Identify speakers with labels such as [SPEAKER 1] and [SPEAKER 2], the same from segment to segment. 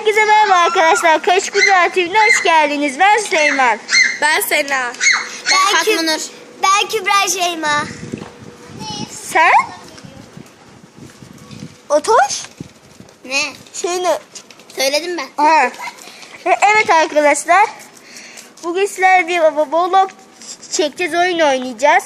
[SPEAKER 1] Herkese merhaba arkadaşlar. Kaş Güzel TV'ne hoş geldiniz. Ben Süleyman.
[SPEAKER 2] Ben Sena.
[SPEAKER 3] Ben Fatma Nur. Ben Kübra Şeyma.
[SPEAKER 1] Sen? Otoş?
[SPEAKER 3] Ne?
[SPEAKER 1] Ne?
[SPEAKER 3] Söyledim ben.
[SPEAKER 1] Ha. Evet arkadaşlar. Bugün sizlerle bir vlog çekeceğiz. Oyun oynayacağız.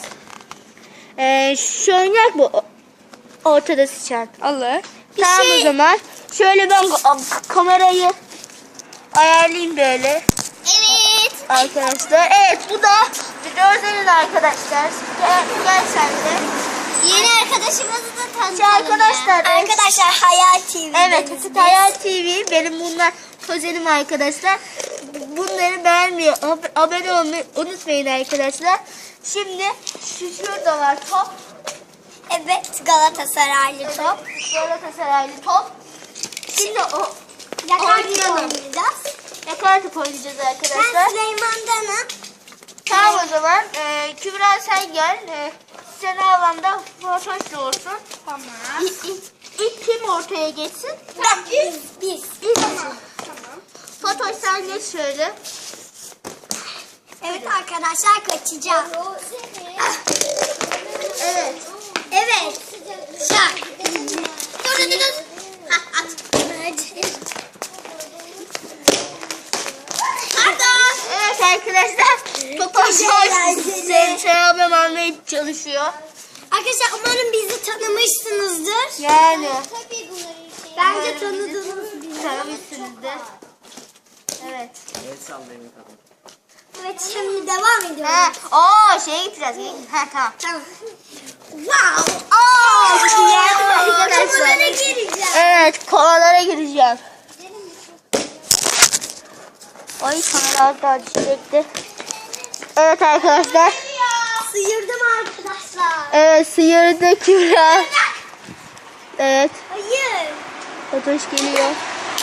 [SPEAKER 1] Şu oynayak mı? Ortada sıçan.
[SPEAKER 2] Allah.
[SPEAKER 1] Tamam o zaman. Şöyle ben kamerayı ayarlayayım böyle.
[SPEAKER 3] Evet.
[SPEAKER 1] Arkadaşlar. Evet bu da videonun arkadaşlar. Gel sen de.
[SPEAKER 3] Yeni arkadaşımızı da tanıtalım.
[SPEAKER 1] Arkadaşlar.
[SPEAKER 3] Ya. Arkadaşlar Hayal TV.
[SPEAKER 1] Evet Hayal TV. Benim bunlar kuzenim arkadaşlar. Bunları beğenmeyi, abone olmayı unutmayın arkadaşlar. Şimdi şurada var top.
[SPEAKER 3] Evet, Galatasaraylı top.
[SPEAKER 1] Galatasaraylı top. Şimdi o
[SPEAKER 3] Yakar
[SPEAKER 1] oynayalım.
[SPEAKER 3] oynayacağız.
[SPEAKER 1] Yakar top oynayacağız arkadaşlar.
[SPEAKER 3] Ben Süleyman'danım.
[SPEAKER 1] Tamam o zaman. Kübra sen gel. Sen alanda fotoğraflı olsun.
[SPEAKER 2] Tamam.
[SPEAKER 1] İlk kim ortaya geçsin?
[SPEAKER 3] Biz.
[SPEAKER 1] Tamam. Fotoğraf sen geç şöyle.
[SPEAKER 3] Evet arkadaşlar kaçacağız.
[SPEAKER 1] Evet.
[SPEAKER 3] Evet. Şak. Dur. Ha, at. Pardon.
[SPEAKER 1] Evet arkadaşlar. Fotoğraf selam almaya çalışıyor.
[SPEAKER 3] Arkadaşlar umarım bizi tanımışsınızdır.
[SPEAKER 1] Yani.
[SPEAKER 3] Bence tanıdınız bizi.
[SPEAKER 1] Tanımışsınızdır. Evet.
[SPEAKER 3] Evet şimdi devam ediyoruz.
[SPEAKER 1] Şeye gideceğiz. Tamam.
[SPEAKER 3] Tamam. Wow.
[SPEAKER 1] Arkadaşlar.
[SPEAKER 3] Konulara gireceğim.
[SPEAKER 1] Evet, kovalara gireceğim. Ay kameralar da çekti. Evet arkadaşlar.
[SPEAKER 3] Sıyırdım arkadaşlar.
[SPEAKER 1] Evet sıyırdı Kübra. Evet.
[SPEAKER 3] Hayır.
[SPEAKER 1] Fotoğraf geliyor.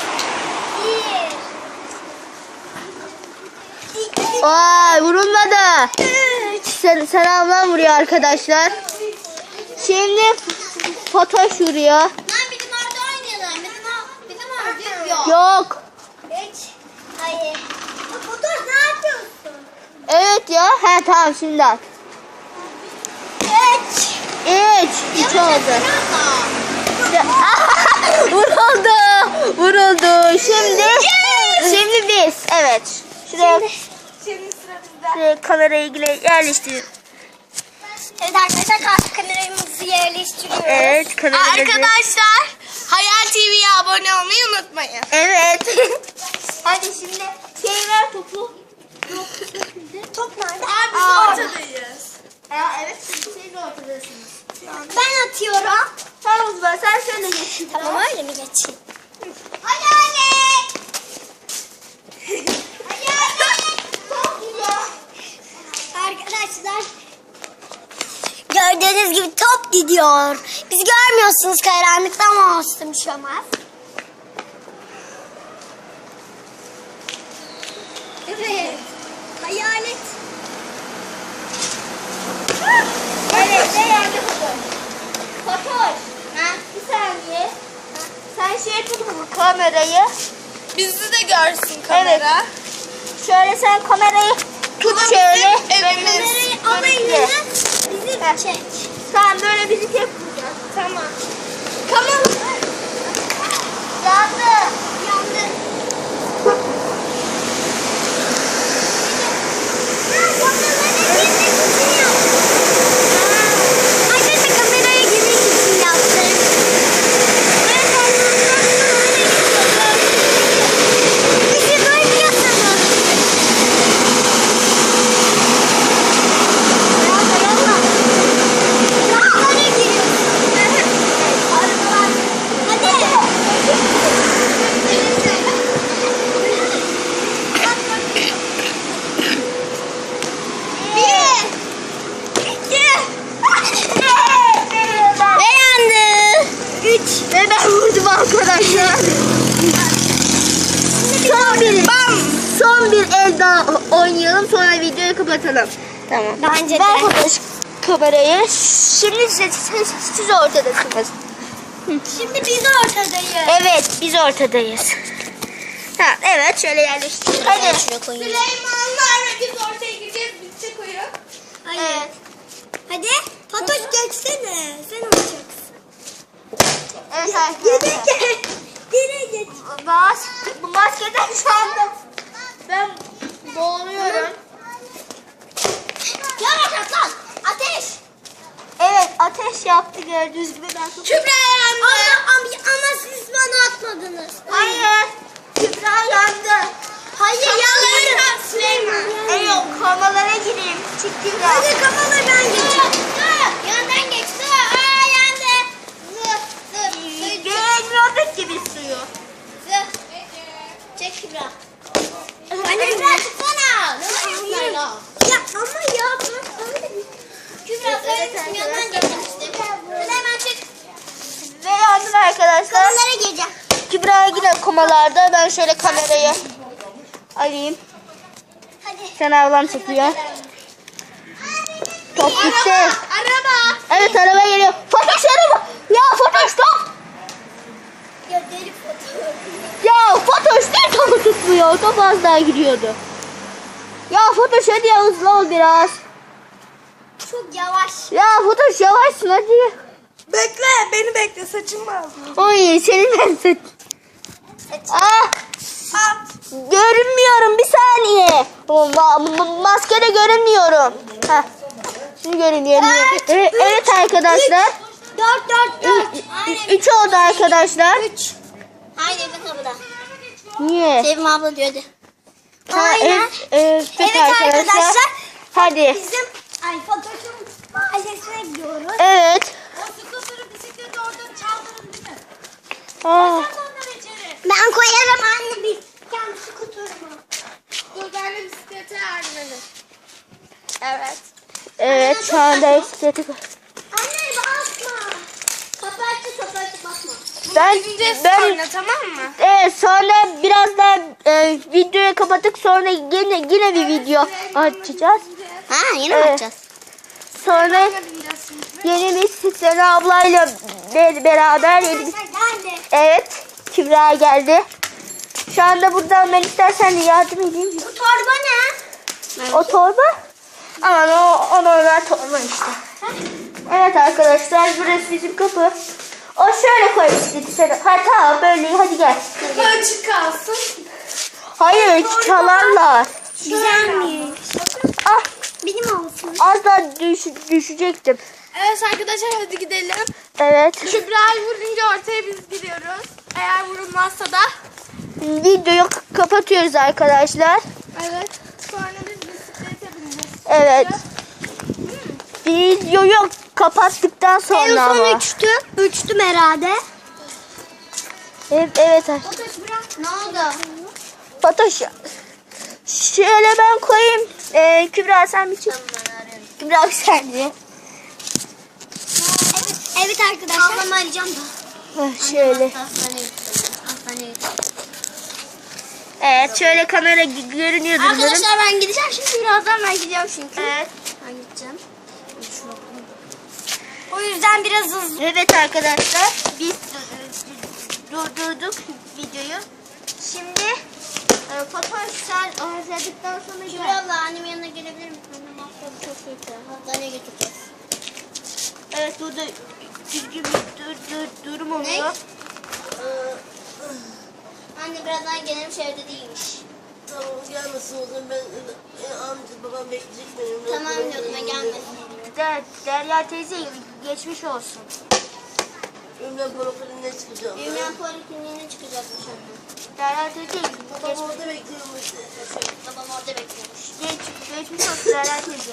[SPEAKER 1] Vay vurulmadı. Selamlar vuruyor arkadaşlar. Şimdi fotoğraf vuruyor.
[SPEAKER 3] Lan bizim orada oynayalım. Bizim orada yok.
[SPEAKER 1] Yok.
[SPEAKER 3] Hiç. Hayır. Fotoğraf ne yapıyorsun?
[SPEAKER 1] Evet ya. Tamam şimdi at.
[SPEAKER 3] Hiç.
[SPEAKER 1] 3 oldu. Vuruldu. Vuruldu. Şimdi biz. Evet. Şuraya
[SPEAKER 2] Şimdi sıra bizde.
[SPEAKER 1] kamerayı yerleştirin.
[SPEAKER 3] Evet arkadaşlar kameramızı yerleştiriyoruz.
[SPEAKER 1] Evet kameramızı.
[SPEAKER 2] Arkadaşlar Hayal TV'ye abone olmayı unutmayın.
[SPEAKER 1] Evet. Hadi şimdi ver topu.
[SPEAKER 3] Top nerede?
[SPEAKER 2] Biz ortadayız.
[SPEAKER 1] Evet siz ortadasınız.
[SPEAKER 3] Ben atıyorum.
[SPEAKER 1] Tamam o zaman sen şöyle geç.
[SPEAKER 3] Tamam öyle mi geçeyim? Hayalet. Hayalet.
[SPEAKER 1] Çok güzel.
[SPEAKER 3] Arkadaşlar gördüğünüz gibi top gidiyor. Bizi görmüyorsunuz karanlıkta ama olsun bir şey olmaz. Evet. Hayalet.
[SPEAKER 1] Evet ne yerde Fatoş? Fatoş. Bir saniye. Sen tut bu kamerayı.
[SPEAKER 2] Bizi de görsün kamera.
[SPEAKER 1] Şöyle sen kamerayı tut
[SPEAKER 2] Bu da
[SPEAKER 1] şöyle.
[SPEAKER 2] bizim evimiz.
[SPEAKER 3] Kamerayı al eline. Bizi çek.
[SPEAKER 1] Tamam böyle bizi tek vuracağız.
[SPEAKER 3] Tamam.
[SPEAKER 1] Kamera. Yandı.
[SPEAKER 3] Yandı. Arkadaşlar kameraya girmek için yaptım. Bizi görmüyorsunuz. Arabalara giriyorsunuz.
[SPEAKER 1] Ve ben vurdum arkadaşlar. Son bir el daha oynayalım sonra videoyu kapatalım. Tamam.
[SPEAKER 3] Bence de.
[SPEAKER 1] Ver kamerayı. Şimdi siz ortadasınız.
[SPEAKER 3] Şimdi biz ortadayız.
[SPEAKER 1] Evet biz ortadayız. Ha, evet şöyle yerleştirdik. Hadi.
[SPEAKER 3] Şuraya koyayım.
[SPEAKER 2] Süleymanlarla biz ortaya gireceğiz. Bitecek oyun.
[SPEAKER 1] Evet.
[SPEAKER 3] Hadi. Fatoş geçsene. Sen olacaksın.
[SPEAKER 1] Evet arkadaşlar.
[SPEAKER 3] Geri geç.
[SPEAKER 1] Bu maskeden şu anda ben boğuluyorum.
[SPEAKER 3] Yavaş atlan. Ateş.
[SPEAKER 1] Evet ateş yaptı gördüğünüz gibi. Ben çok...
[SPEAKER 2] Kübra yandı.
[SPEAKER 3] Ama siz bana atmadınız.
[SPEAKER 1] Hayır. Kübra yandı.
[SPEAKER 3] Hayır
[SPEAKER 2] Yanlarına Süleyman.
[SPEAKER 1] Yok kamalara gireyim. Küçük Kübra.
[SPEAKER 3] Hadi kafalar ben geçeceğim. Yandan geç. Aa yandı.
[SPEAKER 1] Görmüyorduk ki biz suyu.
[SPEAKER 3] Çek Kübra. Anne Kübra çıksana. Ya ama ya. Kübra söylemişsin yandan geçmiştim. Hemen çık.
[SPEAKER 1] Ve yandım arkadaşlar.
[SPEAKER 3] Kafalara gireceğim.
[SPEAKER 1] Kübra yine komalarda. Ben şöyle kamerayı alayım.
[SPEAKER 3] Hadi.
[SPEAKER 1] Sen ablam çekiyor. Top gitti.
[SPEAKER 2] Araba.
[SPEAKER 1] Evet araba geliyor. Fatoş araba. Ya Fatoş top.
[SPEAKER 3] Ya deli fotoğrafı.
[SPEAKER 1] Ya Fatoş niye topu tutmuyor? Top az daha gidiyordu. Ya Fatoş hadi ya hızlı ol biraz.
[SPEAKER 3] Çok yavaş.
[SPEAKER 1] Ya Fatoş yavaşsın hadi.
[SPEAKER 2] Bekle. Beni bekle. Saçım lazım.
[SPEAKER 1] Oy senin ben saç. Ah. Görünmüyorum bir saniye. Maskede görünmüyorum. Heh. Şimdi görünüyorum. Evet arkadaşlar.
[SPEAKER 3] 4.
[SPEAKER 1] 3 oldu arkadaşlar.
[SPEAKER 3] 3. Haydi bir kapıda.
[SPEAKER 1] Niye?
[SPEAKER 3] Sevim abla diyordu.
[SPEAKER 1] Ha,
[SPEAKER 3] Aynen.
[SPEAKER 1] evet arkadaşlar. Hadi.
[SPEAKER 3] Bizim Fatoş'un mahallesine gidiyoruz.
[SPEAKER 1] Evet.
[SPEAKER 2] O skuterı bisikleti orada çaldırın değil mi?
[SPEAKER 1] Aa,
[SPEAKER 2] Onları içeri.
[SPEAKER 3] Ben koyarım anne bir kendi skuturumu.
[SPEAKER 2] Dur ben de bisiklete yardım edin. Evet.
[SPEAKER 1] evet şu anda bisikleti.
[SPEAKER 3] Anne basma. Kapı açık basma.
[SPEAKER 2] Gideceğiz
[SPEAKER 1] ben
[SPEAKER 2] sonra tamam mı?
[SPEAKER 1] evet sonra biraz daha videoyu kapattık sonra yine bir video açacağız.
[SPEAKER 3] Ha yine
[SPEAKER 1] Evet.
[SPEAKER 3] yapacağız.
[SPEAKER 1] Sonra
[SPEAKER 2] Bineceğiz şimdi.
[SPEAKER 1] yeni bir Sena ablayla beraber yeni bir...
[SPEAKER 3] Geldi.
[SPEAKER 1] Evet Kübra geldi. Şu anda buradan ben istersen de yardım edeyim.
[SPEAKER 3] Bu torba ne?
[SPEAKER 1] O torba? Aman o normal torba işte. Evet arkadaşlar burası bizim kapı. O şöyle koy bisikleti sen. Ha tamam böyle hadi gel.
[SPEAKER 2] Açık kalsın.
[SPEAKER 1] Hayır çalarlar.
[SPEAKER 3] Güzelmiş.
[SPEAKER 1] Ah
[SPEAKER 3] Benim olsun.
[SPEAKER 1] az daha düşecektim.
[SPEAKER 2] Evet arkadaşlar hadi gidelim.
[SPEAKER 1] Evet.
[SPEAKER 2] Kübra'yı vurunca ortaya biz gidiyoruz. Eğer vurulmazsa da.
[SPEAKER 1] Videoyu kapatıyoruz arkadaşlar.
[SPEAKER 2] Evet. Sonra biz bisiklete bineceğiz.
[SPEAKER 1] Evet. Videoyu kapattıktan sonra
[SPEAKER 3] En son
[SPEAKER 1] ama.
[SPEAKER 3] üçtüm herhalde.
[SPEAKER 1] Evet.
[SPEAKER 3] Ne oldu?
[SPEAKER 1] Fatoş. Şöyle ben koyayım. Kübra sen bir çık. Kübra sen de.
[SPEAKER 3] Evet arkadaşlar. Ablamı arayacağım da.
[SPEAKER 1] Şöyle. Evet şöyle kamera görünüyordur umarım.
[SPEAKER 3] Arkadaşlar ben gideceğim şimdi birazdan ben gideceğim çünkü.
[SPEAKER 1] Evet.
[SPEAKER 3] Ben gideceğim. O yüzden biraz hızlı.
[SPEAKER 1] Evet arkadaşlar biz durdurduk videoyu. Şimdi Fatoş sen hazırladıktan sonra
[SPEAKER 3] Şuraya
[SPEAKER 1] gel.
[SPEAKER 3] abla annemin yanına gelebilir misin? Annem haftada çok kötü. Hastaneye götüreceğiz.
[SPEAKER 1] Evet burada düzgün bir durum oluyor.
[SPEAKER 3] Anne birazdan gelirmiş evde değilmiş.
[SPEAKER 4] Tamam gelmesin o zaman ben amca babam bekleyecek beni.
[SPEAKER 3] Tamam diyordum ben gelmesin.
[SPEAKER 1] Derya teyze geçmiş olsun.
[SPEAKER 4] Ümran Parokali'ne çıkacağım.
[SPEAKER 3] Ümran polikliniğine çıkacakmış anne.
[SPEAKER 1] Derya teyze
[SPEAKER 4] Babam orada bekliyormuş.
[SPEAKER 3] Babam orada bekliyormuş.
[SPEAKER 1] geçmiş olsun Derya teyze.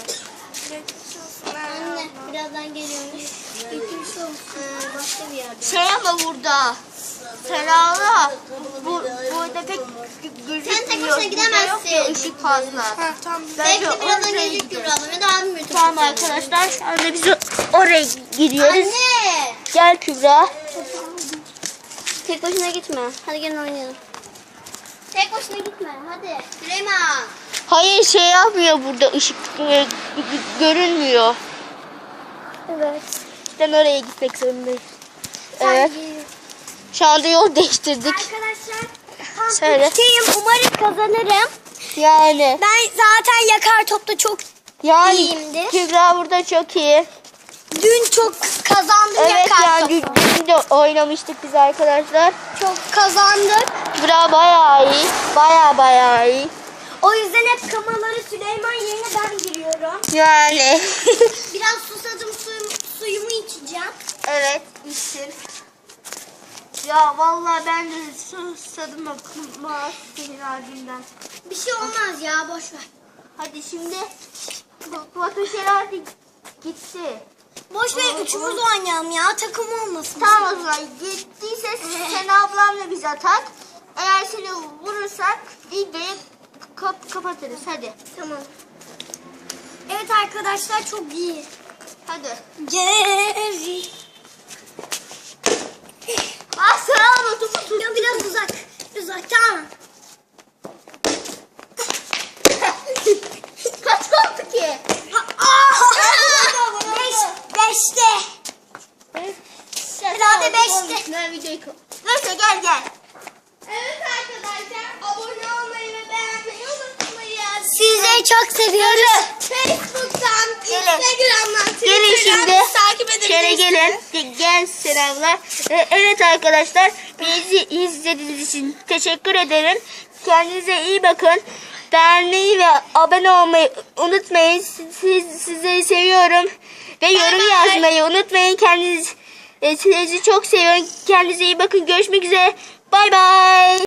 [SPEAKER 3] Anne birazdan geliyormuş. Geçmiş olsun. Başka bir yerde.
[SPEAKER 1] Şey ama burada. Selamla. Burada pek gözükmüyor.
[SPEAKER 3] Sen tek başına
[SPEAKER 1] Burada
[SPEAKER 3] gidemezsin.
[SPEAKER 1] yok ya ışık fazla.
[SPEAKER 2] Ha tamam.
[SPEAKER 1] Bence
[SPEAKER 3] Belki birazdan
[SPEAKER 1] oraya
[SPEAKER 3] gelecek
[SPEAKER 1] gidiyoruz.
[SPEAKER 3] Kübra ablam ya da abim götürecek.
[SPEAKER 1] Tamam arkadaşlar şu anda biz oraya gidiyoruz.
[SPEAKER 3] Anne.
[SPEAKER 1] Gel Kübra.
[SPEAKER 3] Tek başına gitme. Hadi gelin oynayalım. Tek başına gitme. Hadi. Süleyman.
[SPEAKER 1] Hayır şey yapmıyor burada ışık görünmüyor.
[SPEAKER 3] Evet.
[SPEAKER 1] Ben oraya gitmek zorundayım. Evet. Şu anda yol değiştirdik.
[SPEAKER 3] Arkadaşlar tam
[SPEAKER 1] Söyle.
[SPEAKER 3] üçteyim. Umarım kazanırım.
[SPEAKER 1] Yani.
[SPEAKER 3] Ben zaten yakar topta çok
[SPEAKER 1] Yani
[SPEAKER 3] İyiyimdir.
[SPEAKER 1] Kübra burada çok iyi.
[SPEAKER 3] dün çok kazandım
[SPEAKER 1] Evet
[SPEAKER 3] yakar
[SPEAKER 1] yani
[SPEAKER 3] topu.
[SPEAKER 1] dün de oynamıştık biz arkadaşlar.
[SPEAKER 3] Çok kazandık.
[SPEAKER 1] Kübra bayağı iyi. Bayağı iyi.
[SPEAKER 3] O yüzden hep kamaları Süleyman yerine ben giriyorum.
[SPEAKER 1] Yani.
[SPEAKER 3] Biraz susadım suyumu içeceğim.
[SPEAKER 1] Evet içsin. Ya vallahi ben de susadım ama senin ardından.
[SPEAKER 3] Bir şey olmaz ya boş ver.
[SPEAKER 1] Hadi şimdi Fatoşer artık gitti.
[SPEAKER 3] Boş ver üçümüz oynayalım ya takım olmasın.
[SPEAKER 1] Tamam o zaman gittiyse sen ablamla biz atak. Eğer seni vurursak videoyu kapatırız hadi.
[SPEAKER 3] Tamam. Evet arkadaşlar çok iyi.
[SPEAKER 1] Hadi.
[SPEAKER 3] Geri.
[SPEAKER 1] Ah sen alma topu.
[SPEAKER 3] Ya biraz uzak. Uzak tamam.
[SPEAKER 1] Kaç oldu ki?
[SPEAKER 3] Beşte. Herhalde beşte.
[SPEAKER 1] Ben videoyu neyse gel.
[SPEAKER 2] Evet arkadaşlar abone olmayı ve beğenmeyi unutmayın.
[SPEAKER 3] Sizleri çok seviyoruz.
[SPEAKER 2] Facebook'tan,
[SPEAKER 1] Gelin.
[SPEAKER 2] Instagram'dan,
[SPEAKER 1] Gelin
[SPEAKER 2] Twitter'dan
[SPEAKER 1] şimdi.
[SPEAKER 2] bizi takip
[SPEAKER 1] Şöyle
[SPEAKER 2] edebilirsiniz.
[SPEAKER 1] gelin. Gel selamlar. Evet arkadaşlar bizi izlediğiniz için teşekkür ederim. Kendinize iyi bakın. Beğenmeyi ve abone olmayı unutmayın. Sizleri seviyorum. Ve yorum
[SPEAKER 2] bye.
[SPEAKER 1] yazmayı unutmayın. Sizi çok seviyorum. Kendinize iyi bakın. Görüşmek üzere. Bay bay.